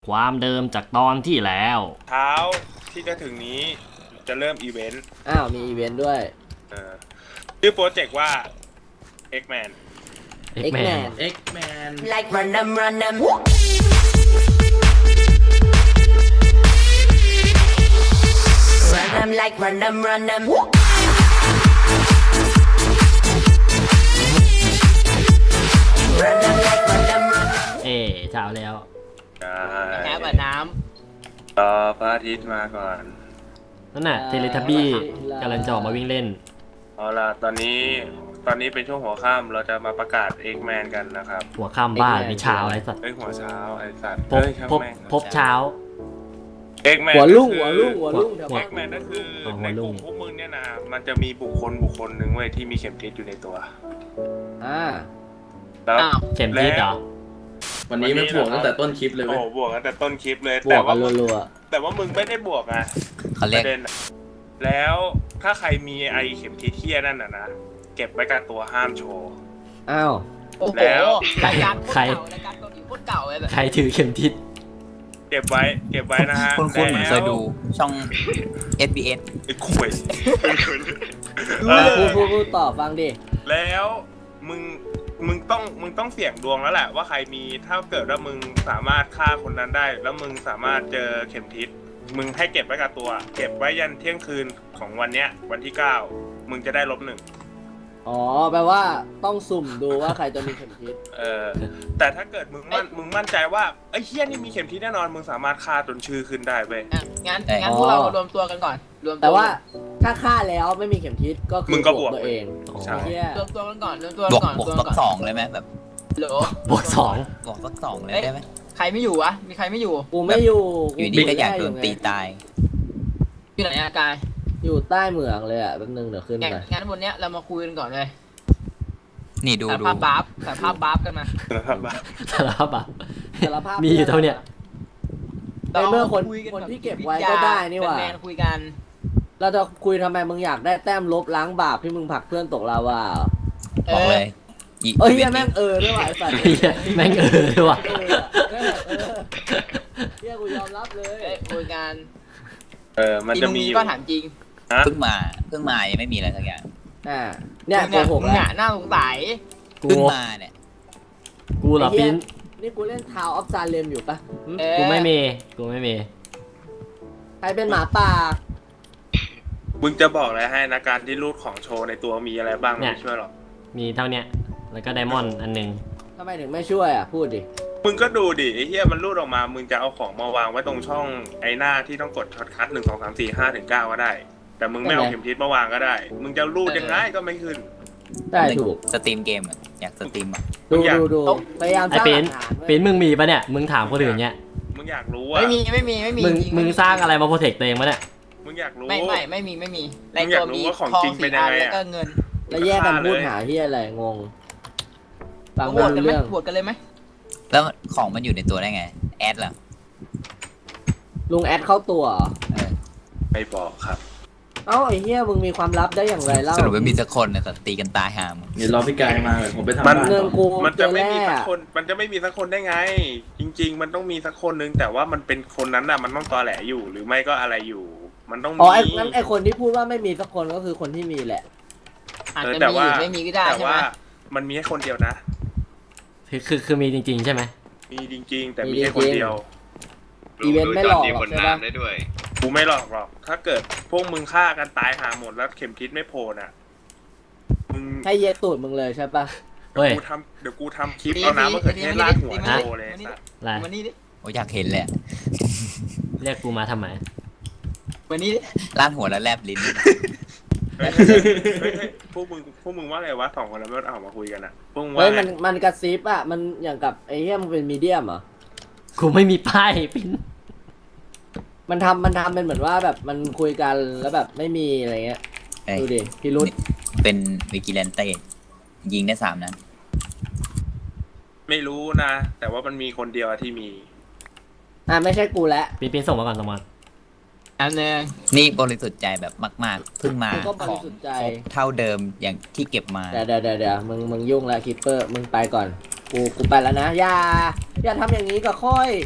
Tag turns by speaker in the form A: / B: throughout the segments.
A: ความเดิมจากตอนที่แล้ว
B: เช้าที่จะถึงนี้จะเริ่มอีเวนต์
C: อ้าวมีอีเวนต์ด้วย
B: ชื่อโปรเจกต์ว่า X-Man
C: X-Man
D: X-Man
E: Like run them, run them. Run them like run them, run them. Run them like run them, run them.
A: เช้าแล้ว
D: แค่แบบน้
B: รอพระอาทิตย์มาก่อน
A: นั่นน่ะเทเลทับบี้กำลังจะออกมาวิ่งเล่น
B: เอาล่ะตอนนี้เป็นช่วงหัวค่ำเราจะมาประกาศ X-Man กันนะครับ
A: หัวค่ำบ้านมีเช้าอะไรสัตว์
B: หัวเช้าไอ้สัตว์
A: พบเช้า
B: X-Man
C: หัวลุ่ง
B: ก็
C: หัว
B: คือ
C: ลุ่งแถวบ้าน
B: X-Man ก็คือ
A: หั
B: ใน
A: ว
B: ก
A: ลุ่
B: ลุ่
A: ง
B: มพวกมึงเนี่ยนะมันจะมีบุคคลหนึ่งเว้ยที่มีเข็มทิศอยู่ในตัว
C: อ่า
B: แล้ว
D: ำอ้าว
A: เข็มทิศเหรอ
F: วันนี้มันบวกตั้งแต่ต้นคลิปเลย
B: โอ้
F: เว้ย
B: บวกตั้งแต่ต้นคลิปเลย
C: บว
B: แต่
C: กกั
B: ว่าน
C: รัว
B: แต่ว่ามึงไม่ได้บวกอะ
G: เขา
B: ป
G: เรียก
B: ระเด็นอะแล้วถ้าใครมีไอเข็มทิศเที่ยนั่นนะเก็บไว้กับตัวห้ามโชว์
C: ๆอ้าว
D: โอ้โห
B: แล้ว
D: รายการโคตรเก่ารายการเกาหลีโคตรเก่าเลยแบบ
A: ใครถือเข็มทิศ
B: เก็บไว้นะฮะ
G: คุณเหมือนเคยดูช่อง SBS
B: ไอ้ข่วย
C: พูดต่อฟังดิ
B: แล้วมึงต้องเสี่ยงดวงแล้วแหละว่าใครมีถ้าเกิดว่ามึงสามารถฆ่าคนนั้นได้ แล้วมึงสามารถเจอเข็มทิศมึงให้เก็บไว้กับตัว เก็บไว้ยันเที่ยงคืนของวันเนี้ยวันที่9มึงจะได้-1
C: อ๋อแปลว่าต้องสุ่มดูว่าใครจะมีเข็มทิศ
B: แต่ถ้าเกิดมึงมั่นใจว่าไอ้เฮี้ยนี่มีเข็มทิศแน่นอนมึงสามารถฆ่าจนชื่อขึ้นได้เว้ย
D: อ่ะงั้นพวกเรารวมตัวกันก่อนรวมตัว
C: แต่ว่าถ้าฆ่าแล้วไม่มีเข็มทิศก็คือ
B: มึงก็บวก
C: ตัวเอง
B: ใช่
C: เชี่ย
D: รวมตัวกันก่อนรวมตัว
G: บวก
D: ก่อน
G: บวก
D: รวม
G: สั
D: ก่
G: ก
D: อน
G: 2เลยไหมแบบ
D: โหล
A: บวก2
G: บวกสัก2เลยได้ไหม
D: ใครไม่อยู่วะมีใครไม่อยู่
C: กูไม่อยู่
G: อยู่ดีก็อยากโดนตีตาย
D: อยู่ไหนอากาย
C: อยู่ใต้เหมืองเลยอ่ะแป๊บนึงเดี๋ยวขึ้นไป
D: งั้นวันเนี้ยเรามาคุยกันก่อนเลย
G: นี่ดู
D: สาร
G: ดู
D: ภาพบาฟสารภาพบาฟกันมา
A: สารภาพอ่ะ
C: สารภาพ
A: มีอยู่เท่าเนี้ย
C: ในเมื่อคน
D: คุยกั
C: คน
D: แบบ
C: ที่เก็บไว้ก็ได้นี่หว่า
D: แมนๆคุยกัน
C: เราจะคุยทำไมมึงอยากได้แต้มลบล้างบาปที่มึงผลักเพื่อนตกลาวาเหรอ
G: บอกเลย
C: เอ้ยแม่งด้วยว่ะไอ้สัตว์
A: เหี้ยแม่งด้วยว่ะ
C: เฮียกูยอมรับเลย
D: คุยกัน
B: มันจะมี
D: อีก็ถามจริง
G: เพิ่งมายังไม่มีอะไรสักอย่าง
C: เนี่ยโกหก
D: มึง
C: แล้ว
D: อ่ะน่าสงสัย
A: กู
G: เพิ่งมาเนี่ย
A: กูเหรอปิ้น
C: นี่กูเล่นทาวออฟซาเลมอยู่ปะ
A: กูไม่มี
C: ใครเป็นหมาป่า
B: มึงจะบอกอะไรให้นะการที่รูดของโชว์ในตัวมีอะไรบ้างไม่ช่วยหรอก
A: มีเท่าเนี้ยแล้วก็ไดมอนด์อันหนึง
C: ทำไมถึงไม่ช่วยอ่ะพูดดิ
B: มึงก็ดูดิไอ้เหี้ยมันรูดออกมามึงจะเอาของมาวางไว้ตรงช่องไอ้หน้าที่ต้องกดช็อตคัท1 2 3 4 5 ถึง 9ก็ได้ แต่มึงไม่เอาเข็มทิศมาวางก็ได้ มึงจะรูดยังไงก็ไม่ขึ้น
C: ได้ถูก
G: สตรีมเกมอะอยากสตรีมอ่ะ
C: ดูพยายามส
A: ไอ้
C: ร้าง
A: ปิ้น
C: หลักฐานไว้
A: ปิ้นมึงมีปะเนี่ยมึงถามคนอื่นเนี่ย
B: มึงอยากรู้อ่ะ
D: ไม่มี
A: มึงสร้างอะไรมาโปรเทคตัวเองปะเนี่ย
B: มึงอยากรู้
D: ไม่มี
B: มึงอยากรู้ว่าของจริงเป็นยังไงอะ
D: แล้วก็เงิน
C: แล้วแยกกันพูดหาที่อะไรงงฟัง
D: บ
C: ไม่
D: วชกัน
C: รู้
D: ไหม
C: เรื่อง
D: บวชกันเลยไหม
G: แล้วของมันอยู่ในตัวได้ไงแอดเหรอ
C: ลุงแอดเข้าตัวเหรอ
B: ไม่บอกครับ
C: เอ้าไอ้เหี้ยมึงมีความลับได้อย่างไรเล่า
G: สรุปว่ามีสักคนเนี่ยแต่ตีกันตายหาม
F: เดี๋ยวรอพี่กายมาเลยผมไปทำ
B: มัน
F: บ้าน
C: เงิน
F: ต่อ
C: กู
B: มันจะไม่มี
C: เจอ
B: สั
C: แร่
B: กคน มันจะไม่มีสักคนได้ไง จริง ๆ มันต้องมีสักคนนึงแต่ว่ามันเป็นคนนั้นน่ะมันต้องตอแหลอยู่หรือไม่ก็อะไรอยู่ มันต้องมี
C: อ๋อไอ้งั้นไอ้คนที่พูดว่าไม่มีสักคนก็คือคนที่มีแหละ
D: อาจจะ
B: แต่
D: มี
B: ว่า
D: หรือไม่มีก็ได้
B: แต่
D: ใช่ไหม
B: ว่ามันมีแค่คนเดียวนะ
A: คือมีจริงๆใช่ไหม
B: มีจริง ๆ แต่มีแค่คนเดียว
C: อีเวนต์ไม่หลอกหรอกใช่ปะ
B: กูไม่หลอกหรอก ถ้าเกิดพวกมึงฆ่ากันตายหาหมดแล้วเข็มทิศไม่โผล่น่ะ มึง
C: ให้เย็ดตูดมึงเลยใช่ปะ
A: เฮ้ย
B: เดี๋ยวกูทำคลิปเอาน้ำมะเขือเทศราดหัวโชว์เลยสัส
A: อะไร
D: วันนี้ดิ
G: โอ้อยากเห็นเลยอะ
A: เรียกกูมาทำไม
D: วันนี้ดิ
G: ลาดหัวแล้วแลบลิ้น
B: เฮ้ยพวกมึงว่าอะไรวะ2 คนแล้วไม่เอามาคุยกันอ่ะพวกมึงว่า
C: เฮ้ย
B: ไง
C: มันกระซิบอ่ะมันอย่างกับไอ้เหี้ยมึงเป็นมีเดียมเหรอ
A: กูไม่มีป้ายปิ้น
C: มันทำเป็นเหมือนว่าแบบมันคุยกันแล้วแบบไม่มีอะไรเงี้ย
G: เอ้ย
C: ดูดิพิรุษ
G: เป็นวิกิเลนเต้ยิงได้3 นัด
B: ไม่รู้นะ แต่ว่ามันมีคนเดียวที่มี
C: ไม่ใช่กูแล้ว
A: ปิ้นส่งมาก่อนสมอน
D: อันนึง
G: นี่บริสุทธิ์ใจแบบมากๆเพิ่งมา
C: กูก็บ
G: ข
C: ริ
G: อง
C: สุทธิ์ใจ
G: ครบเท่าเดิมอย่างที่เก็บมา
C: เดี๋ยวมึงยุ่งแล้วคิปเปอร์มึงไปก่อนกูไปแล้วนะอย่าทำอย่างนี้กับค่อย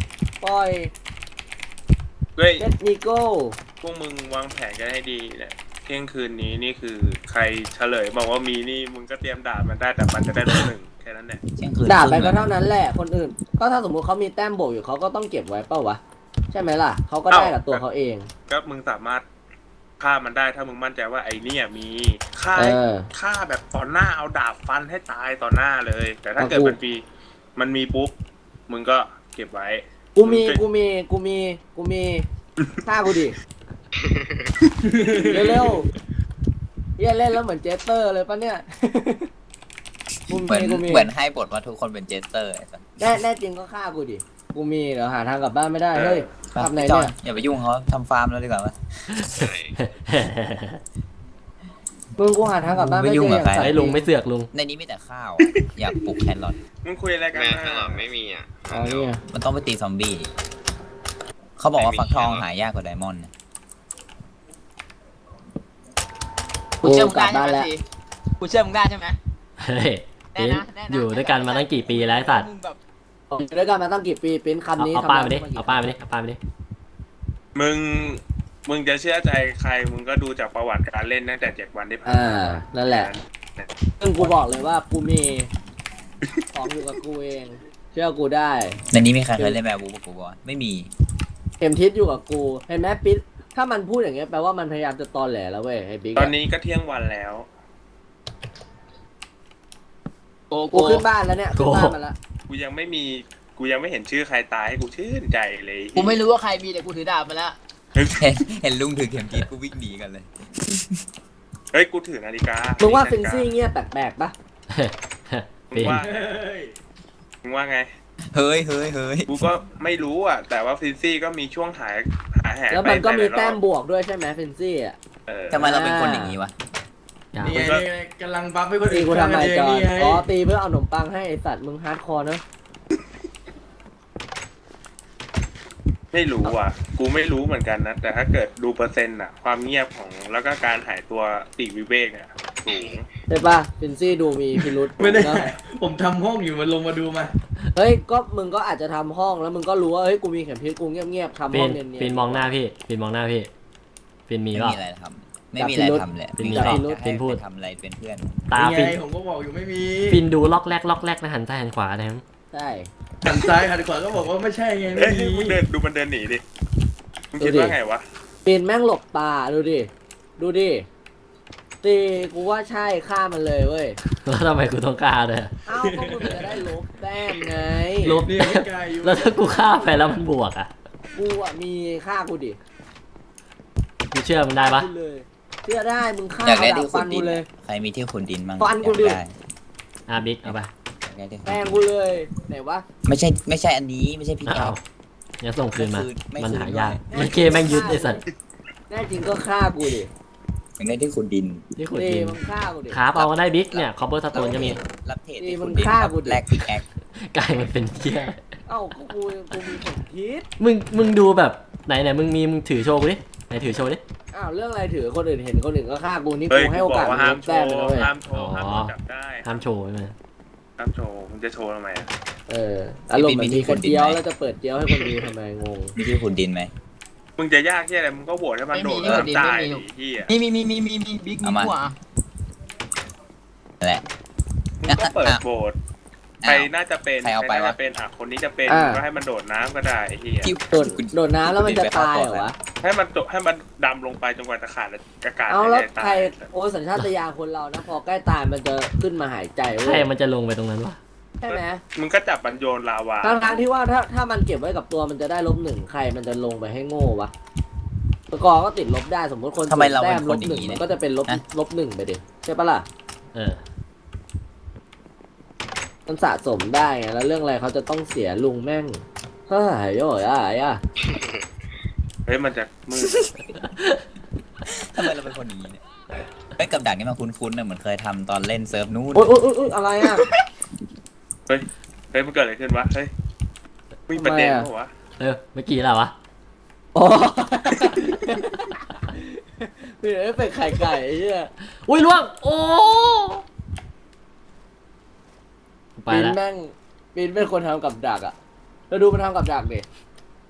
C: ปล่อย
B: เฮ้ย
C: เจ็ดนิโก้
B: พวกมึงวางแผนกันให้ดีเนี่ยเที่ยงคืนนี้นี่คือใครเฉลยบอกว่ามีนี่มึงก็เตรียมด่ามันได้แต่มันจะได้ลบหนึ่งแค่นั้นแหละ
G: เที่ยงคืน
C: ด่าไป
G: ครึ่
C: ก็
G: ง
C: เท่านั้นแหละคนอื่น ก็ถ้าสมมุติเขามีแต้มบวกอยู่เขาก็ต้องเก็บไว้เปล่าวะใช่ไหมล่ะเขาก็ได้กับตัวเขาเอง
B: ก็มึงสามารถฆ่ามันได้ถ้ามึงมั่นใจว่าไอ้เนี่ยมีฆ่า
C: เออ
B: ฆ่าแบบต่อหน้าเอาดาบฟันให้ตายต่อหน้าเลย แต่ถ้าเกิดมันมีปุ๊บมึงก็เก็บไว้
C: กูมีฆ่ากูดิเร็วๆเฮียเล่นแล้วเหมือนเจสเตอร์เลยปะเนี่ยกู
G: เหมือน
C: มี
G: เหมือนให้บทว่าทุกคนเป็นเจสเตอร์ไอ้สัส
C: แน่จริงก็ฆ่ากูดิกูมีเดี๋ยวหาทางกลับบ้านไม่ได้เฮ้ยทำไหน
G: จอ
C: เนี่
G: น
C: ย
G: อย่าไปยุ่งเขาทำฟาร์มแล้วดีกว่าวะ
C: มึงกูหาทางกลับบ้านไม่เจออย่างสัตว์
A: ไอ้ยลุงไม่เสือกลุง
G: ในนี้มีแต่ข้าว อยากปลูกแครอท
B: มึงคุยอะไรกัน
H: แม่
B: นะ
H: ตลอดไม่มีอ่ะ
C: อ๋อเนี่ย
G: มันต้องไปตีซอมบี้เขาบอกว่าฟักทองหายากกว่าไดมอนด์นะ
D: กูเชื่อมึงได้ใช่ไหมสิกูเชื่อมึงได้ใช่ไหม
A: เฮ้ยปิ้น
D: แน่นะ
A: อยู่ด้วยกันมาตั้งกี่ปีแล้วไอ้สัตว์
D: มึงแบบ
C: อยู่ด้วยกันมาตั้งกี่ปีเป็นคำนี้
A: เอาป้ายมาดิ
C: คำนั้น
A: เอาป้ายมาดิเอาป้ายมาดิ
B: มึงจะเชื่อใจใครมึงก็ดูจากประวัติการเล่นตั้งแต่7 วันที่ผ่าน
C: อ่า
B: มา
C: นั่นแหละซึ่งกูบอกเลยว่ากูมีของอยู่กับกูเอง เชื่อกูได้
G: ในนี้มีใครเคยเล่นแบบบูปะกูบอลไม่มี
C: เข็มทิศอยู่กับกูเห็นไหมปิ๊ดถ้ามันพูดอย่างเงี้ยแปลว่ามันพยายามจะตอแหลแล้วเว้ยไอ้บิ๊ก
B: ตอนนี้ก็เที่ยงวันแล้ว
D: โก
C: กูขึ้นบ้านแล้วเนี่ยขึ้นบ้านมาแล้ว
B: กูยังไม่เห็นชื่อใครตายให้กูชื่นใจเลย
D: กูไม่รู้ว่าใครมีแต่กูถือดาบมาแล้ว
G: เห็นลุงถือเข็มทิศกูวิ่งหนีกันเลย
B: เฮ้ยกูถือนาฬิกา
C: มึ
B: มึ
C: งว่าฟินซี่เงี้ยแปลกๆปะ
B: มึ
A: ปิ้
B: ง
A: น
B: ว่ามึงว่าไง
G: เฮ้ย
B: กูก็ไม่รู้อ่ะ แต่ว่าฟินซี่ก็มีช่วงหายแหก
C: แล้วมันก็
B: ไป
C: มี
B: หลายรอบ
C: แต้มบวกด้วยใช่ไหมฟินซี่อ่ะ
B: เออ
G: ทำไมเราเป็นคนอย่างนี้วะ
A: อย่า
F: นี่ไงนี่ไงกำลังบัฟให้คน
C: ตี
F: อื่น
C: กูทำไมจอน
F: นี่ไง
C: อ๋อตีเพื่อเอาขนมปังให้ไอสัตว์มึงฮาร์ดคอร์เนอะ
B: ไม่รู้อ่ะ กูไม่รู้เหมือนกันนะ แต่ถ้าเกิดดูเปอร์เซ็นต์อ่ะ ความเงียบของแล้วก็การหายตัวปีกวิเวกเนี่ยสูง
C: ใช่ปะฟินซี่ดูมีพิรุษ
F: ไม่ได้
C: เนอะ
F: ผมทำห้องอยู่มันลงมาดูมา
C: เฮ้ยก็มึงก็อาจจะทำห้องแล้วมึงก็รู้ว่าเฮ้ยกูมีเข็มทิศกูเงียบๆทำ
A: ปิ้
C: ห้อน งเนียนๆ
A: ปิ้นมองหน้าพี่ปิ้นมองหน้าพี่ปิ้นมี
G: ไม่
A: เปล่า
G: มีอะไรทำไม่มีอะไรทำเลย
A: เป็นมี
G: มีอะไร
A: หรอ
G: จะให้
A: เป็นพูด
G: ไปทำอะไรเป็นเพื่อน
A: ตา
F: นี่
A: ปิ้น
F: ไงผมก็บอกอยู่ไม่มี
A: ปิ้นดูล็อกแรกนะหันซ้ายหันขวานะครับ
C: ใช่
F: หันซ้ายหันขวาก็บอกว่าไม่ใช่ไง
B: เอ้
F: ไม่
B: ย
F: มี
B: มึงเดินดูมันเดินหนีดิ มึงคิดว่าไงวะ
C: ปีนแม่งหลบตาดูดิตีกูว่าใช่ฆ่ามันเลยเว้ย
A: แล้วทำไมกูต้องฆ่าด้วย
C: เอ้าก็มึงจะได้ลบแต้มไง
A: ลบ
F: นี่ไม่ไกลอยู่
A: แล้วถ้ากูฆ่าไปแล้วมันบวกอ่ะ
C: กูอ่ะมีฆ่ากูดิ
A: กูเชื่อมันได้ปะ
C: กูเลยเชื่อได้มึงฆ่า
G: อยากได้
C: ดา
G: ที่
C: บ
G: ขุ
C: ฟั
G: ด
C: น
G: ดิ
C: กู
G: น
C: เลย
G: ใครมีที่ขุดดินบ้าง
C: ฟันกู
G: อยา
C: ดิ
G: ได้
A: อ่ะบิ๊กเอาไป
G: อยากได้ที่ขุด
C: แป้
G: ดิ
C: ง
G: น
C: กูเลยไหนวะ
G: ไม่ใช่อันนี้ไม่ใช่พี่แก้
A: อ้าว วงั้นส่งคืนมา
G: ไม่คืน
A: มันหายาก
C: ไม่คืน
A: มันเกมแม่งยึดไอ้สัตว์
C: แน่จริงก็ฆ่ากูดิ
G: อยากได้ที่ขุดดิน
A: ที่ขุด
C: ตี
A: ดิน
C: มึงฆ่ากูดิ
A: ครับเอาก็ได้บิ๊กเนี่ยคอปเปอร์สโตนก็มี
G: รับเทรด
C: นี่
G: ที่
C: มึ
G: ขุ
C: ง
G: ดดิน
C: ฆ่า
G: ครับ
C: กูดิ
G: แลกพิกแอค
A: กลายมันเป็นเที่ย
C: เอ้าก็กูมีเข็มทิศ
A: มึงดูแบบไหนมึงถือโชว์กูดิไหนถือโชว์ดิ
C: อ้าวเรื่องอะไรถือคนอื่นเห็นคนอื่นก็ฆ่ากูนี่
B: เฮ้ย
C: กูให้
B: กู
C: โอบ
B: อก
C: กาส
B: ว่า
C: มึ
B: ห้าง ม
C: ลบ
B: โช
C: แต้ม
B: ว์
C: ไปแล้วเว้ย
B: ห้ามโชว์ห้ามโดนจับได้
A: ห้ามโชว์ใช่ไหม
B: ห้ามโชว์มึงจะโชว์ทำไมอ่ะ
C: อารมณ์เหมือนมีกระเจียวแล้วจะเปิดเจียวให้คนดูทำไมงง
G: มีที่ขุดดินไหม
B: มึงจะยากที่อะไรมึงก็โหวตให้มันโดด
D: ไม่มี
B: น้ำตาย
D: ไม่มี
B: ที่อ่ะ
D: มีบิ๊กมีกูอ่ะ
G: นั่นแหละ
B: มึงก็เปิดโหวตใครน่าจะเป็น
G: ใครเอาไป
B: น่
G: วะ
B: จะเป็นคนนี้จะเป็น
C: อ่า
B: ก็ให้มันโดดน้ำก็ได้ไอ้ที่
G: ที่
C: โดดน้ำแล้วมันจะตายเหรอวะ
B: ให้มันดำลงไปจนกว่าจะขาดอากาศ
C: เอาแล้ว
B: หายใจ
C: ใคร
B: ตาย
C: โอ้สัญชาตญาณคนเรานะพอใกล้ตายมันจะขึ้นมาหายใจ
A: ใคร
C: เว้ย
A: มันจะลงไปตรงนั้นวะ
C: ใช่ไหม
B: มึงก็จับมันโยนลาวา
C: ทั้งที่ว่าถ้ามันเก็บไว้กับตัวมันจะได้-1ใครมันจะลงไปให้โง่วะสกอร์ก็ติดลบได้สมมติคน
G: ทำไมเรา
C: แต้
G: เป็
C: ม
G: นคนอย่าง
C: -1
G: นี้
C: มั
G: เนี่ย
C: นก็จะเป็น-1ไปดิใช่ปะล่ะ
A: เออ
C: มันสะสมได้ไงแล้วเรื่องอะไรเขาจะต้องเสียลุงแม่งเฮ้ยโย่อ่ะ
B: เฮ้ยมันจะมืด
G: ทำไมเราเป็นคนอย่างนี้เนี่ยไอ้ยกับดักนี่มันคุ้นๆนะเหมือนเคยทำตอนเล่นเซิร์ฟนู้น
C: โอ๊ยอะไรอ่ะ
B: เฮ้ยมันเกิดอะไรขึ้นวะเฮ้ยมีประเด็นปะวะ
A: เออเมื่อกี้แล้ววะ
C: โอ้ยเฮ้ยเป็นไข่ไก่ไอ้เหี้ย
A: อุ้ยล่วงโอ้ไป
C: ปีน
A: แล้ว
C: แม่งปีนเป็นคนทำกับดักอ่ะแล้วดูมันทำกับดักดิ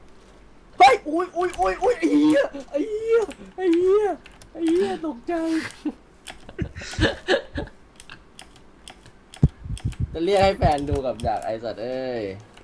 C: อุ้ยอุ้ยอุ้ยอุ้ยไอ้เหี้ยไอ้เหี้ยไอ้เหี้ยไอ้เหี้ยตกใจจะเรียกให้แฟนดูกับดักไอ้สัตว์เอ้ย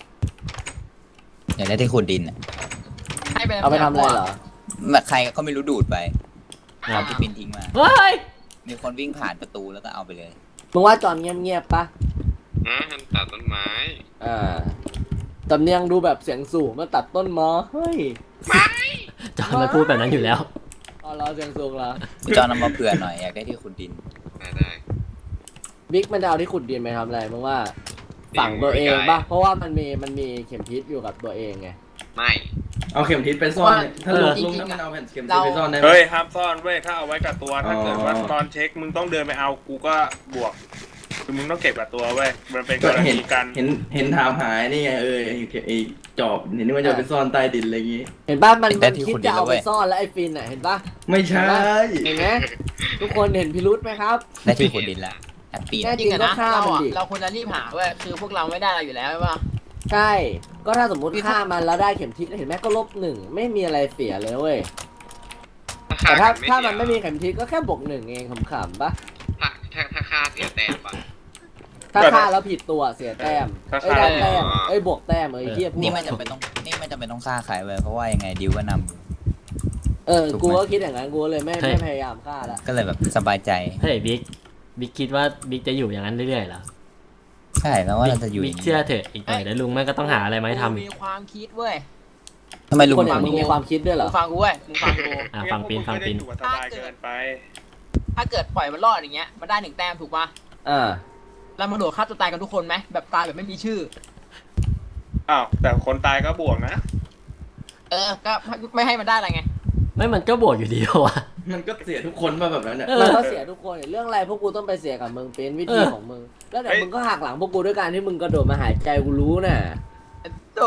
G: อยากได้ที่ขุดดินอะ
D: ให้ไป
C: เอาไปทำอะไรเหรอ
G: แบบใครก็ไม่รู้ดูดไปเอาที่ปินทิ้งมา
A: เฮ้ย
G: มีคนวิ่งผ่านประตูแล้วก็เอาไปเลย
C: มึงว่าจอนเงียบๆปะ
H: มันตัดต้นไม้
C: สำเนียงดูแบบเสียงสูงมาตัดต้นมอเฮ้ย
A: จอนมันพูดแบบนั้นอยู่แล้ว
C: เอาเราเสียงสูงเหรอ
G: คุณจอนำมาเผื่อหน่อยอยากได้ที่ขุดดิน
H: ได้
C: บิ๊กมันจะเอาที่ขุดดินไปทำอะไรมึงว่าฝังตัวเองปะเพราะว่ามันมีเข็มทิศอยู่กับตัวเองไง
H: ไม่
F: เอาเข็มทิศไปซ่อนเนี่ยถ้าลุงนั้นมันเอาแผ่นเข็มทิศไปซ่อนได้ไหม
B: เฮ้ยห้ามซ่อนเว้ยถ้าเอาไว้กับตัวถ้าเกิดว่าตอนเช็คมึงต้องเดินไปเอากูก็บวกคือมึงต้องเก็บกับตัวเว้ยมันเป็นก
F: ก็
B: ร
F: เห็น
B: ณีกัน
F: เห็นถามหายนี่ไงไอ้จอบเห็นว่าจะไปซ่อนใต้ดินอะไรอย่างงี้
C: เห็นป่ะมัน
G: แต่ที่
C: คิด
G: ขุดดิ
C: จะ
G: น
C: เอา
G: แล้วเว้
C: ไป
G: ย
C: ซ่อนแล้วไอ้ฟินอ่ะเห็นป่ะ
F: ไม่ใช่
C: เห็นไหมทุกคนเห็นพิรุธไหมครับ
G: ได้ที่ขุดดินแล้วแฮปปี้
C: แน่
G: นะ
D: จริงอะนะ
C: ก็ฆ่า
D: เรา
C: มัน
D: อะ
C: ดิ
D: เราควรจะรีบหาเว้ยคือพวกเราไม่ได้อะไรอยู่แล้วใช่ปะ
C: ใช่ก็ถ้าสมมติฆ่ามันแล้วได้เข็มทิศเห็นไหมก็-1ไม่มีอะไรเสียเลยเว้ยแต่ถ้ามันไม่มีเข็มทิศก็แค่บวก 1เองขำๆปะ
H: ถ้าค่าเสียแต้มปะ
C: ถ้าฆ่าแล้วผิดตัวเสียแต้มเอ้ยได้แต้มเอ้ยบวกแต้มเฮียพูด
G: นี่ไม่จำเป็นต้องฆ่าใครเลยเพราะว่ายังไงดิวก็นำอยู่ ถูกไหม
C: กูก็คิดอย่างนั้นกูเลยไม่พยายามฆ่าละ
G: ก็เลยแบบสบายใจ
A: เฮ้ยบิ๊กคิดว่าบิ๊กจะอยู่อย่างนั้นเรื่อยๆเหรอ
G: ใช่แล้วว่าเราจะอยู่อ
A: บิ๊
G: ย่าก ง
A: เชื่อ
G: นี้
A: เถอะอีกหน่อยเดี๋ยวลุงแม่งก็ต้องหาอะไรมาให้ทำอีก
D: มีความคิดเว้ย
G: ทำไมลุง
C: คนอ
G: ถึ
C: ย่าง
G: ง
C: มึงมีความคิดด้วยเหร
D: มึ
C: อง
D: ฟังกูเว้ยมึงฟังกู
A: ฟังปีน
B: เย
A: ฟังปีน
B: พวกมึก็ไม่ได้อยู่กับสบายเกินไป
D: ถ้าเกิดปล่อยมันรอดอย่างเงี้ยมันได้1 แต้มถูกปะ
C: อ่า
D: แล้วมันโดดฆ่าตัวตายกันทุกคนไหมแบบตายแบบไม่มีชื่อ
B: อ้าวแต่คนตายก็บวกนะ
D: ก็ไม่ให้มันได้อะไรไง
A: ไม่มันก็บวกอยู่ดีเพราะว่า
F: มันก็เสียทุกคนมาแบบนั้นเนี่ย
C: มันก็เสียทุกคนเรื่องอะไรพวกกูต้องไปเสียกับมึงเป็นวิธีของมึงแล้วเดี๋ยวมึงก็หักหลังพวกกูด้วยการที่มึงกระโดดมาหายใจกูรู้น่ะ
D: โต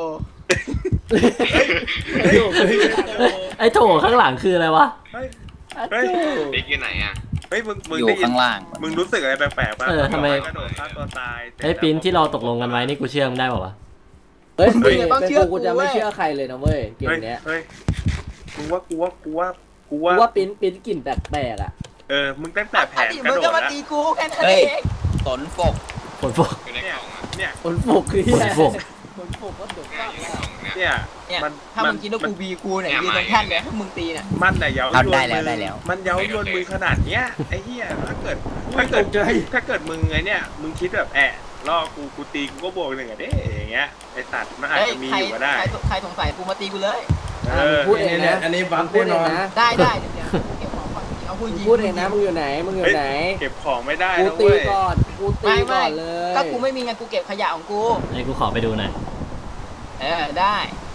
A: ไอ้โถข้างหลังคืออะไรวะ
B: เฮ้ยเฮ้ย
H: บิ๊กอยู่ไหนอ่ะ
B: เฮ้ยมึง
G: อยู่
B: ได้ยิน
G: ข้างล่าง
B: มึงรู้สึกอะไรแปลกๆป่ะ
A: ทำไม
B: กระโดดฆ่าตัวตาย
A: ไอ้ปีนที่เราตกลงกันไว้นี่กูเชื่อมึงได้ป่าวะ
C: เฮ้ยเป็นกูจะไม่เชื่อใครเลยนะเว้ยเกม
B: เฮ้ย
C: เนี้ย
B: เฮ้ยกูว่า
C: กูว่าปิ้นกลิ่นแปลกๆอ่ะ
B: มึงตั้งแต่แผน
D: ดิ
B: กระ
D: มึง
B: โด
D: ก็
B: ด
D: มา
B: แล้ว
D: ตีกูแค่นั้น
G: เฮ้
D: เอย ง
G: ตนฟก
A: ฝนฟก
H: อยู่ในกล่องอ่ะ
B: เนี่ย
C: ฝนฝกคือ
A: ฝนฝก
C: ฝนฝกก็ตก
H: อยู่ในกล่องเนี่ย
B: เนี่ย
D: เนี่ย
B: มัน
D: ถ้ามึงคิดว่ากูบีกูเนี่ยยืนตรงแท่นเลยถ้ามึงตีเนี่ย
B: มันแต่เย้า
G: เอา
B: ยวน
G: ได้แล้ว
B: มือ
G: ได้แล้ว
B: มันเย้ายวนมือขนาดเนี้ยไอ้เหี้ยถ้าเกิดมึงไงเนี่ยมึงคิดแบบล่อกูตีกูก็บวก1อ่ะเด้อย่างเงี้ยไอ้สัตว์มันอาจ
D: เฮ้ย
B: จะมี
D: ใคร
B: อยู่ก็ได้
D: ใครสงสัยกูมาตีกูเลย
C: พูดเองนะ
F: อันนี้บัฟ
C: พูด
F: แน่
C: เอน ง
F: อน
C: นะ
D: ได้เดี๋ยวเก็บของก่อนเอาพูดยิง
C: พูดเองนะมึงอยู่ไหนมึงอยู่ไหน
B: เก็บของไม่ได้
C: กู
B: นะ
C: ตี
B: เว้ย
C: ก่อนกูตีก่อนเลย
D: ก็กูไม่มีไงกูเก็บขยะของกู
A: ไอ้กูขอไปดูหน่อย
D: ได้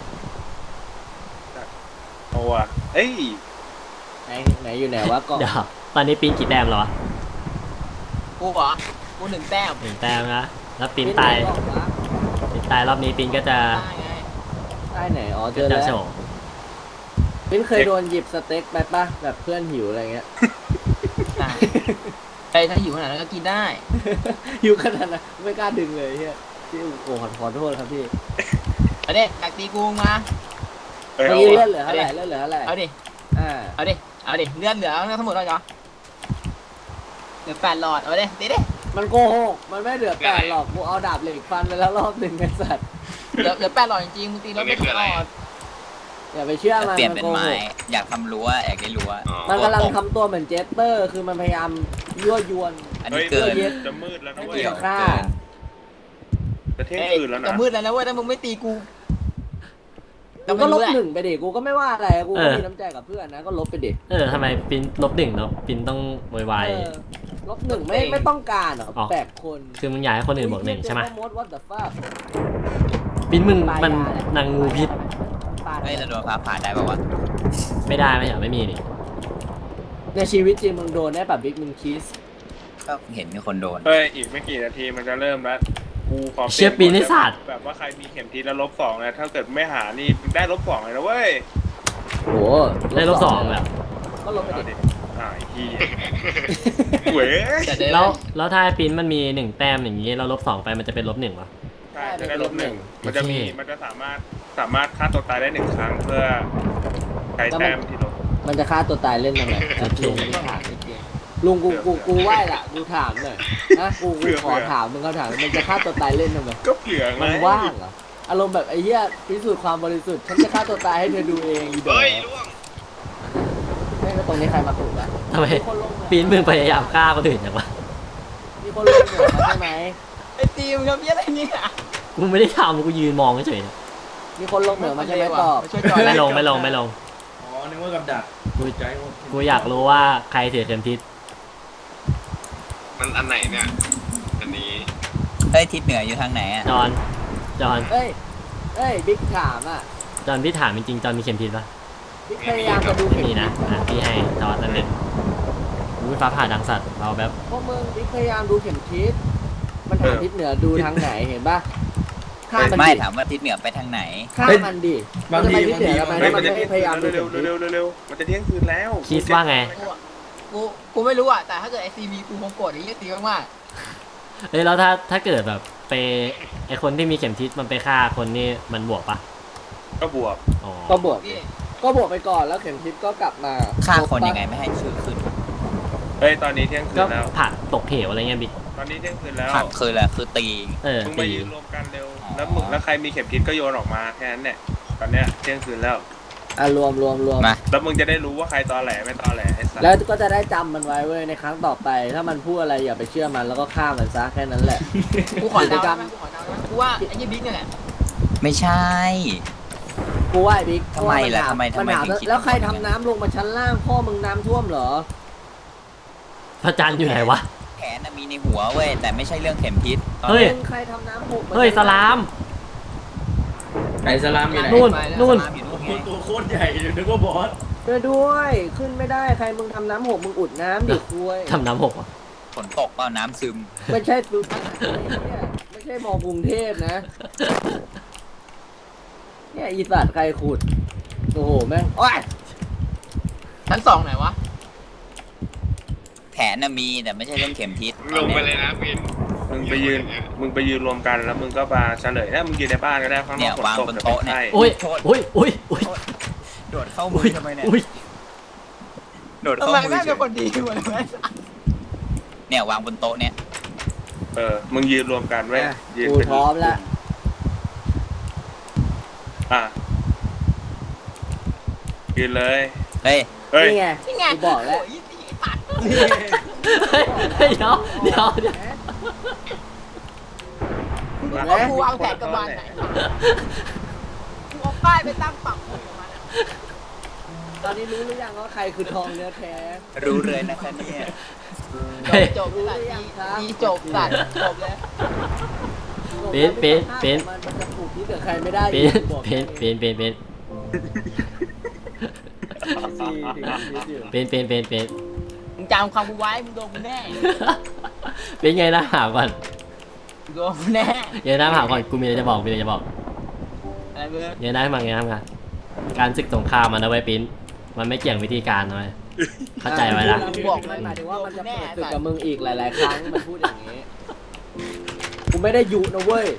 B: เอาว่ะเอ้ย
C: ไหนอยู่ไหนวะก่อน
A: เดี๋ยวตอนนี้ปีนกี่แต้มแล้ววะ
D: กูเหรอกู1 แต้ม
A: 1 แต้มนะแล้วปีนตายรอบนี้ปีนก็จะ
D: ได้ไง
C: ได้ไหนอ๋อเจ
A: ก็
C: อ
A: จะ
C: แล้ว
A: โฉม
C: ปิ้นเคยโดนหยิบสเต็กไปปะแบบเพื่อนหิวอะไรเงี้ย
D: ได้ถ้าหิวขนาดนั้นก็กินได้
C: หิวขนาดนั้นไม่กล้าดึงเลยเฮียพี่โอ้ขอโทษครับพี่
D: เอาดิอยากตีกูมา
B: เอ้ย
C: เมื่อ
B: เอา
C: กี้
B: ว่ะ
C: เลือดเหลือเท่าไหร่เลือดเหลือเท่าไหร่
D: เอาดิ
C: อ่า
D: เอาดิเลือดเหลือทั้งหมดแล้วเหรอเหลือ8 หลอดเอาดิตีดิ
C: มันโกหกมันไม่เหลือ8หรอกกูเอาดาบเหล็กฟันไปแล้วรอบหนึ่งไอ้สัตว์
D: เหลือ8 หลอดจริงๆมึงตีแล้วไม่ถึงหลอด
C: อย่าไปเชื่อมัน
G: เปลี่ยน
C: มัน
G: เป็น
C: โกห
G: ไม้
C: ก
G: อยากทำรั้วอยากได้รั้ว
C: มันกำลังทำตัวเหมือนเจสเตอร์ คือมันพยายามยั่วยวน
G: อัน
B: เฮ้
G: นี้
B: ย
G: เกิน
B: จะมืดแล้วนะ
C: ไม่
B: เว้ย
C: เกี่ยว
G: เกิน
B: จะเที่ยง
D: เอ้ย
B: คืนแล้ว
D: จะ
B: นะ
D: มืดแล้วนะเว้ยถ้ามึงไม่ตีกู
C: กูก็ลบ
D: แหละ
C: 1ไปดิกูก็ไม่ว่าอะไรกูก็มีน้ำใจกับเพื่อนนะก็ลบไปดิ
A: ทำไมปีนลบ1แล้วปีนต้องโวยวาย
C: เออลบ1ไม่ต้องการหรอ
A: อ๋อ
C: 8 คน
A: คือมึงอยากให้คนอื่นบวก1ใช่ไหม
C: มด what the fuck
A: ปีนมึงมันนางงูพิษ
G: เฮ้ยเราโดนฟ้าผ่าได้ป่าวะ
A: ไม่ได้ไม่เหรอไม่มีนี่
C: ในชีวิตจริงมึงโดนได้แบบบิ๊กมึงคิส
G: ก็เห็นมีคนโดน
B: เฮ้ยอีกไม่กี่นาทีมันจะเริ่มแล้วกูขอ
A: เชี่ยปีนให้สัตว์
B: แบบว่าใครมีเข็มทิศแล้ว-2นะถ้าเกิดไม่หานี่ได้-2เลยนะเว้ย
C: โอ้โห
A: ได้ลบ2แบบ
C: ก็ลบไป
B: เอา
C: ดิ
B: ดิไอ้ที่เว้ย
D: จะเดิน
A: แล้วถ้าปีนมันมี1 แต้มอย่างนี้เราลบ2ไปมันจะเป็นลบ1วะ
B: ใช่จะได้-1มันจะสามารถสามารถฆ่าตัวตายได้1 ครั้งเพื่อใช้แต้มที่ลง
C: มันจะฆ่าตัวตายเล่นทำไมลุงไม่ถามจริงๆลุงกูไหว้ละกูถามหน่อยนะกูขอถามมึงเขาถามมันจะฆ่าตัวตายเล่นทำไม
B: ก็เผื่อไง
C: มันว่างเหรออารมณ์แบบไอ้เหี้ยพิสูจน์ความบริสุทธิ์ฉันจะฆ่าตัวตายให้เธอดูเองอีดอก
H: เฮ้ยล่วง
C: แม่งก็ตรงนี้ใครมาถูกอะ
A: ทำไม
C: มีคนลงเหมือง
A: ปีนมึงพยายามฆ่าคนอื่นอย่างวะ
C: มีคนลงเหมืองมาใช่ไหม
D: ไอ้ตีมทำเหี้ยอะไรเนี่ย
A: กูไม่ได้ทำกูยืนมองเฉย
C: มีคนลงเหมืองมาใช่ไหมตอบ
D: ช่วยจอย
A: ๆไม่ลงไม่ลงไม่ลง
F: อ๋อนึกว่ากับดัก
A: กู
F: ใจหมด
A: กูอยากรู้ว่าใครถือเข็มทิศ
H: มันอันไหนเนี่ย อันนี้
G: เฮ้ยทิศเหนืออยู่ทางไหนอ่ะ
A: จอนจอน
C: เอ้ยบิ๊กถามอ่ะ
A: จอนพี่ถามจริงๆจอนมีเข็มทิศปะ
C: บิ๊กพยายามจะดู
A: ไม่
C: เข็ม
A: มีนะอ่ะพี่ให้จอนนั่นเองอุ้ยฟ้าผ่าดังสัตว์เราแบบ
C: พวกมึงบิ๊กพยายามดูเข็มทิศมันถามทิศเหนือดูทางไหนเห็นปะข้ามมัน
G: ไม่
C: ดิ
G: ถามว่าทิศเหนือไปทางไหน
C: ข้ามมันดิ
F: บางที
C: มันจะไปทิศเหนือทำไม
B: เฮ้ย
C: ถ้า
B: มั
C: มัน น
B: จะ
C: ไม่
B: เที่ยง
C: พ
B: คื
C: ยาน ยามดู
B: แล้ว
C: เข็มทิศ
B: เร็วๆมันจะเที่ยงคืนแล้ว
A: คิดว่าไง
D: กูไม่รู้อ่ะแต่ถ้าเกิดไอซีมีกูคงโกรธไอ้เหี้ยตีมาก
A: เฮ้ยแล้วถ้าเกิดแบบไปไอคนที่มีเข็มทิศมันไปฆ่าคนนี่มันบวกปะ
B: ก็บวก
A: อ๋อ
C: ก็บวก
D: ๆพี่
C: ก็บวกไปก่อนแล้วเข็มทิศก็กลับมา
G: ฆ่าคนยังไงไม่ให้ชื่อขึ้น
B: เฮ้ยตอนนี้เที่ยงคื
A: ก็
B: นแล้ว
A: ผักตกเหวอะไรเงี้ยบิ๊ก
B: ตอนนี้เที่ยงคืนแล้ว
G: ผักคืออะไรคือตี
A: เออ
B: มึงไป
A: ตี
B: ยืนรวมกันเร็วแล้วมึงแล้วใครมีเข็มทิศก็โยนออกมาแค่นั้นเนี่ยตอนเนี้ยเที่ยงคืนแล้ว
C: อ่ะรวม
G: มา
B: แล้วมึงจะได้รู้ว่าใครตอแหลไม่ตอแหลไอ้สัส
C: แล้วก็จะได้จำมันไว้เว้ยในครั้งต่อไป ถ้ามันพูดอะไรอย่าไปเชื่อมันแล้วก็ฆ่ามันซะแค่นั้นแหละ
D: กูขอเดาได้ไหมกูขอเดาได้ไหมกูว่าไอ้ยี่บิ๊กเนี่ยแหละ
G: ไม่ใช่
C: กูว่าไอ้บิ๊ก
G: ทำไมล่ะ
C: เพราว่า
G: ทำไม
C: นถา
G: ถึงคิด
C: แล้วใคร
G: อย่าง
C: ทำ
G: นั้น
C: น้ำลงมาชั้นล่างพ่อมึงน้ำท่วมเหรอ
A: พระจันทร์อยู่ไหนวะ
G: แผนน่ะมีในหัวเว้ยแต่ไม่ใช่เรื่องเข็มทิศตอน
A: เฮ้ย
G: นี้
C: มึงใครทำน้ำหก
A: เฮ้ยสลาม
F: ไก่สลามอยู่ไหน
A: นู่นนู่น
G: สลามอยู่นู่นไง
F: ตัวโคตรใหญ่อยู่นึกว่าบอส
C: ช่วยด้วยขึ้นไม่ได้ใครมึงทำน้ำหกมึงอุดน้ำดิคุย
A: ทำน้ำหกวะ
G: ฝนตกเปล่าน้ำซึม
C: ไม่ใช่ฟิวเนี่ยไม่ใช่มอกรุงเทพนะเนี่ยอีสัตว์ใครขุดโอ้โหแม่งโอ้ย
D: ชั้นสองไหนวะ
G: แผนน่ะมีแต่ไม่ใช่เรื่องเข็มทิศ
H: ลงไปเลยนะปิน
B: มึงไปยืนรวมกันแล้วมึงก็มาเฉลยนะมึงยืนในบ้านก็ได้ข้างน
G: เนี่
B: อย กฝน
G: วาง
B: ตก
G: บน
B: จะเป็น
G: โต๊ะเนี่ย
B: ไข้
A: อุ้ย
G: โทษ
A: อุ้ยอุ้ยอุ้ย
G: โดดเข้ามื
A: อุ้
G: อย ทำไมเนี่ย
A: อุ้ย
G: โดด
D: ทำ
G: เข้า
D: ไม
G: มือ
D: แม่ง
G: เฉ
D: เป็น
G: ย
D: คนดีวะเนี่ย
G: เนี่ยวางบนโต๊ะเนี่ย
B: มึงยืนรวมกันไว้ยยืน
C: กู
B: เป็น
C: พร้อมแล้ว
B: อ่ะยืนเลย
G: เฮ้ย
B: เฮ้ย
C: นี่ไง
D: นี่ไง
C: กูบอกแล้ว
D: โยยี่ตีตัด
A: เฮ้ยเฮ้ยเดี๋ยวเดี๋ยวเดี๋ยว
D: มึงรู้ว่ากูวางแผนกับมันไหนกูเอาป้ายไปตั้งปักหมุดกับมันอะ
C: ตอนนี้รู้หรือยังว่าใครคือทองเนื้อแท้
G: รู้เลยนะคะเนี่ย
A: เฮ้ย
D: จบสัตว์ดีจบสัตว์จบเลย
C: มันจะผูกที่เกิดใครไม่ได้
A: เป็
C: อี
A: น
C: กบอก
A: เป็นเป็นเป็นเป็น
C: สี่ถึงชีวิตอยู่
A: เป็นเป็นเป็นเป็น
D: มึงจำความกูไว้มึงโดนกูแน่
A: เป็นไงนะถามก่อน
D: มึงโดนกูแน่
A: เดี๋ยวนะถามก่อนกูมีอะไรจะบอกมีอะไรจะบอก
D: อะไรเบื่อ
A: เดี๋ยวนะมาไงนะการศึกสงครามมันเอาไว้ปิ้นมันไม่เกี่ยงวิธีการนะเว้ยเข้าใจไว้นะ
C: บอกมันหมายถึงว่ามันจะเปิดศึกกับมึงอีกหลาย ๆ ครั้งมันพูดอย่างนี้กูไม่ได้ยุนะเว้ย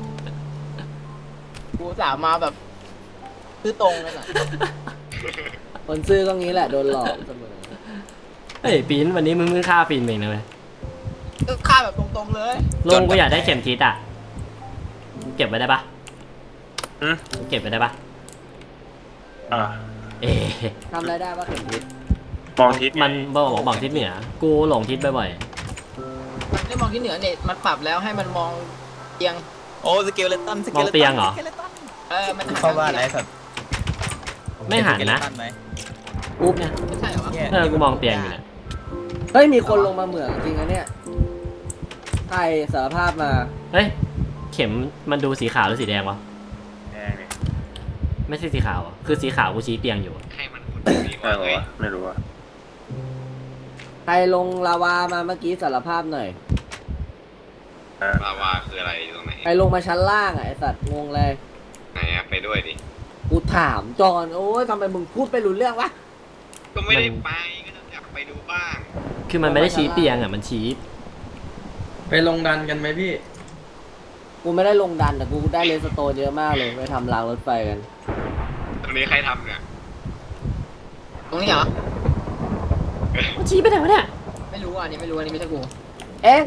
D: กูสามมาแบบซื้อตรงเลยน่ะ
C: คนซื้อก็งี้แหละโดนหลอกเสมอ
A: เฮ้ยปิ้นวันนี้มึงเพิ่งฆ่าฟินเองนะเว้ย
D: ก็ฆ่าแบบตรงๆเลย
A: ลงกูอยากได้เข็มทิศอ่ะเก็บไว้ได้ปะ
B: อืม
A: เก็บไว้ได้ปะ
B: อ่ะ
A: เอ๊ะ
C: ทำอะไรได้ว่าเข็มทิศ
B: มองทิศไง
A: มันบอกทิศเหนือกูหลงทิศบ่อย
D: มันได้มองที่เหนือเนี่ยมันปรับแล้วให้มันมองเอียง
G: โอ้สเกลเลตันส
A: ๆ
G: เก
A: มอง
G: ลเลตัน
A: เตียงเหรอ
D: มัน
G: เข้าบ้านอะไรแบบ
A: ไม่หันนะ
G: สเกเลตัไหม
C: ปุ๊บเนี่ย
D: ไม่ใช่เหรอวะ
A: เออกูมองเตียงอยู่เนี่ย
C: เฮ้ยมีคนลงมาเหมืองจริงนะเนี่ยใครสารภาพมา
A: เฮ้ยเข็มมันดูสีขาวหรือสีแดงวะ
B: แดงนี่
A: ไม่ใช่สีขาวอ่ะคือสีขาวกูชี้เตียงอยู่อะ
H: ให้มันหุ่นดี
B: ใช่
H: กว่า
B: เหรอ
H: เลยว
B: ะไม่รู้อะ
C: ใครลงลาวามาเมื่อกี้สารภาพหน่อย
H: ลาวาคืออะไรอยู่ตรงไหน
C: ใครลงมาชั้นล่างอ่ะไอสัตว์งงเลย
H: ไหนอะไปด้วยดิ
C: กูถามจอนโอ้ยทำไมมึงพูดไปรู้เรื่องวะ
H: ก็ไม่ได้ไปก็อยากไปดูบ้าง
A: คือมันไม่ได้ชี้เตียงอ่ะมันชี้
F: ไปลงดันกันไหมพี่
C: กูไม่ได้ลงดันแต่กูได้เลสโตนเยอะมากเลยไปทำรางรถไฟกัน
H: ตรงนี้ใครทำเนี่ย
D: ตรงนี้เหรอ
A: มันชี้ไปไหนวะเนี่ย
D: ไม่รู้อันนี้ไม่รู้อันนี้ไม่ใช่กู
C: เอ๊ะ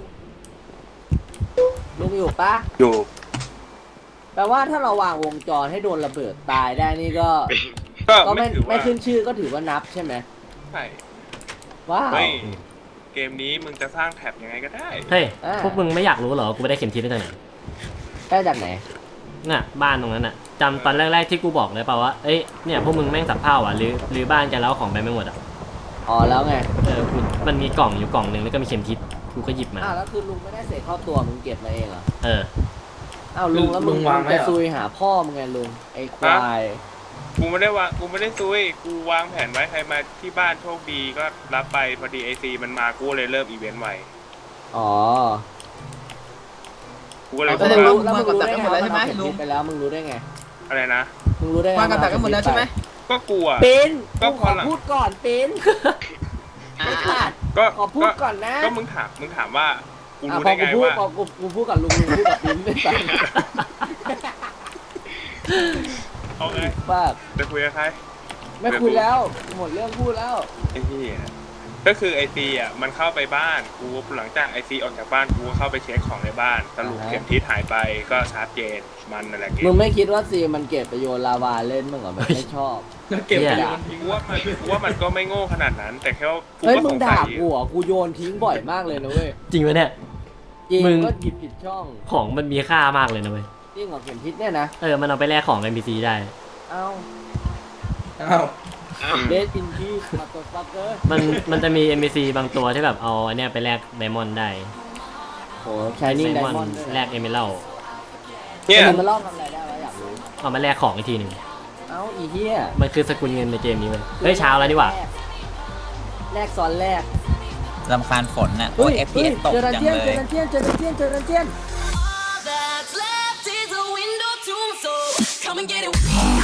C: ลุงอยู่ปะ
B: อยู่
C: แปลว่าถ้าเราวางวงจรให้โดนระเบิดตายได้นี่ก็
B: ก็
C: ก็
B: ไม่
C: ไม่
B: ถือว่า
C: ไม่ขึ้นชื่อก็ถือว่านับใช่ไหม
B: ใช่
C: ว้าว
B: เฮ้ยเกมนี้มึงจะสร้างแท็บยังไงก็ได้
A: เฮ้ย
C: อ่า
A: พวกมึงไม่อยากรู้เหรอกูไม่ได้เข็มทิศได้จากไหน
C: ได้จากไหน
A: น่ะบ้านตรงนั้นน่ะจำตอนแรกๆที่กูบอกเลยเปล่าว่าเอ้ยเนี่ยพวกมึงแม่งสับเผ่าอ่ะหรือบ้านจะเล้าของไปไม่หมดอ่ะ
C: อ๋อแล้วไง
A: กูมันมีกล่องอยู่กล่องหนึ่งแล้วก็มีเข็มทิศกูก็หยิบมา
C: อ้าวแล้วคือลุงไม่ได้เสกเข้าตัวมึงเก็บมาเองเหรอ
A: เออ
C: อ้าวลุงแล้วมึงจะซุยหาพ่อมึงไงลุงไอ้ควาย
B: กูไม่ได้ซุยกูวางแผนไว้ใครมาที่บ้านโชคดีก็รับไปพอดีไอซีมันมากูเลยเริ่มอีเวนต์ไว
C: อ๋อ
B: กูก็เลย
C: แล้วมึงรู้ได้ไงว่ามันเอาเข็มทิศไปแล้วมึงรู้ได้ไง
B: อะไรนะ
C: มึงรู้ได้ไง
D: วางกับดักกันหมดแล้วใช่ไหม
B: ก็กลัว
C: ปิน
B: ก็
C: กู
B: พ
C: ข
B: อ
C: อ
B: ละ
C: พูดก่อนปิน
D: อ่า
B: ก็
C: ขอพูดก่อนนะ
B: ก็มึงถามว่ากู
C: อ่ะ
B: รู้
C: พอ
B: ได้
C: กู
B: ไง
C: พูด
B: ว่า
C: พอกูพูดกับลุงพูดกับปินไม่ฟัง
B: เอาไง
C: ว่า
B: จะคุยกับใคร
C: ไม่คุยแล้วหมดเรื่องพูดแล้ว
B: ไอ้ที่ก็คือไอซีอ่ะมันเข้าไปบ้านกูหลังจากไอซีออกจากบ้านกูก็เข้าไปเช็คของในบ้านสรุปเข็มทิศหายไปก็ชาร์จเจนมันนั่นแหละเก
C: มึ
B: ม
C: งไม่คิดว่าซีมันเก็บไปโยนลาวาเล่นมึงเหรอมันไม่ชอบ
F: แล้วเก็บ
A: เหี้
F: ไป
A: ย
F: โยนทิ้ง
B: กูว่ามันก็ไม่โง่ขนาดนั้น แต่แค่ว่ากู
C: เฮ้ย
B: ก็
C: มึ
B: ส
C: ง
B: งสั
C: ด่าย กูเหรอกูโยนทิ้งบ่อยมากเลยนะเว้ย
A: จริงไหมเนี่ย
C: จริง
A: มึง
C: ก็หยิบผิดช่อง
A: ของมันมีค่ามากเลยนะเว้ย
C: จริงของเข็มทิศเนี่ยนะ
A: มันเอาไปแลกของ NPC ได้
C: เอ้า
F: อ้าว
C: เดสอินพีมาตัวฟักเกอร์
A: มันจะมี NPC บางตัวที่แบบเอาอันเนี้ยไปแลกไดมอนด์ได้
C: โหชายนิ่งไดมอนด์
A: แลกเอเมอรัล
B: เนี่ย
C: มันล่อทำอะไรได้วะอยากรู้
A: เอามาแลกของอีกทีหนึ่ง
C: เอ้าอีเหี้ย
A: มันคือสกุลเงินในเกมนี้เว้ยเฮ้ยเช้าแล้วนี่หว่า
C: แรกซ้อนแรก
G: ลำคาญฝนน่ะโอ้ย FPS ตก
C: เจอดัน
G: จัง
C: เจียน
G: เล
C: เจอย ดันเจียนเจอดันเจียนเจอดันเจียน
E: All that's left is a window to my soul. Come and get it.